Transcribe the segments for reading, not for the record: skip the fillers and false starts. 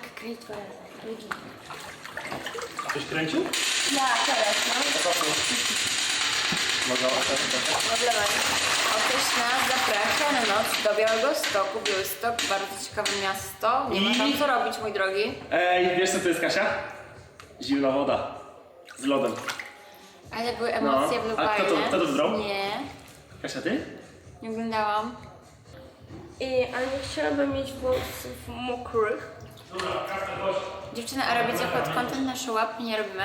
Tak, kręć dwa razy. Drugi. Ktoś kręcił? Ja, teraz, no. Odlewaj. Otóż nas zaprasza na noc do Białegostoku. Białystok, bardzo ciekawe miasto. Nie ma tam co robić, mój drogi. Ej, wiesz co to jest, Kasia? Zimna woda. Z lodem. Ale były emocje No. w A kto to wybrał? Nie, Kasia, ty? nie oglądałam. Ale nie chciałabym mieć włosów mokrych. Dobra, Kasper, chodź. Dziewczyny, a robicie pod kątem nasze łapki? Nie robimy.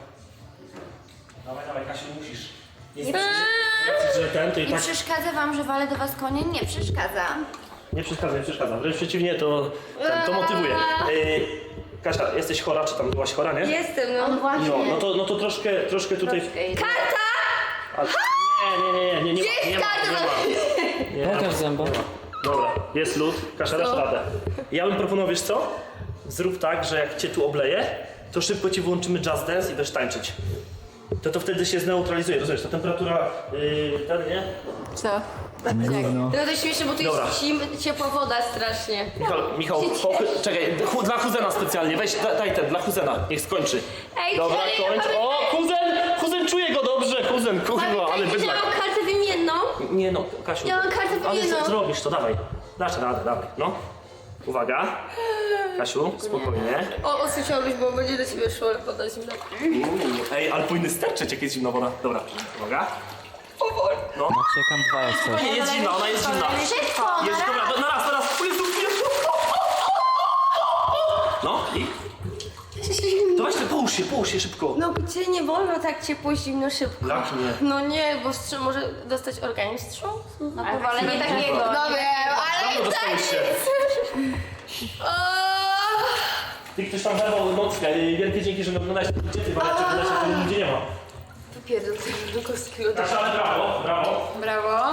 Dawaj, Kasiu, musisz. Nie, Że ten, to i nie tak... przeszkadza wam, że walę do was konie? Nie przeszkadza. Nie przeszkadza. Wręcz przeciwnie, to motywuje. Kasia, jesteś chora, czy tam byłaś chora, nie? Jestem, no. Właśnie. No to troszkę tutaj... Karta! A, nie ma. Pokaż zęba. Dobra, jest lód, Kasia, dasz radę. Ja bym proponował, wiesz co? Zrób tak, że jak cię tu obleję, to szybko ci wyłączymy Just Dance i będziesz tańczyć. To wtedy się zneutralizuje, rozumiesz? Ta temperatura, ten, nie? Co? No to śmieszne, bo tu Dobra. jest ciepła woda strasznie. Michał, czekaj, dla Huzena specjalnie, weź, daj ten, dla Huzena, niech skończy. Ej, Dobra, serio, kończ. O, Huzen czuje go dobrze, Huzen, kurwa, ale pamiętajcie, że bydlak. mam kartę wymienną. Nie no, Kasiu. Ja mam kartę Ale wymienną. zrobisz to, dawaj. Dasz radę, dawaj, no. Uwaga. Kasiu, spokojnie. O, usłyszałbyś, bo będzie do ciebie szło woda zimna. Ej, ale powinny sterczeć, jak jest zimna woda. Dobra, uwaga. No. Czekam dwa jeszcze. Nie, jest zimna, ona jest zimna. Szybko, Jest, dobra, na raz. Jezu. No, i? To weź, połóż się szybko. No gdzie nie wolno tak ciepło, zimno, szybko. Jak nie? No nie, bo może dostać organizm wstrząs. No powalenie takiego. No wiem, ale Dawno dostałeś się. Ty ktoś tam zerwał nockę. Wielkie dzięki, że oglądałeś. Gdzie ty, Wariacie, oglądałeś, a tu nigdzie nie ma. Wypierdol tego Żukowskiego. Kasia, ale brawo. Brawo.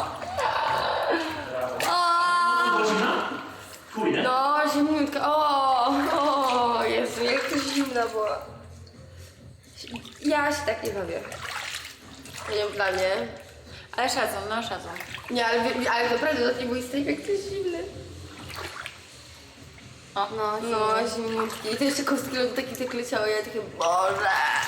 Godzina? Chuj, nie? No, zimniutka. O, Jezu, jak to zimna była. Ja się tak nie bawię. Nie wiem, dla mnie. Ale szacun, no szacun. Nie, ale naprawdę to nie był strajk, jak to jest zimny. O, No, zimniutki. I to jeszcze kostki lodu takie tak leciały, ja takie, Boże.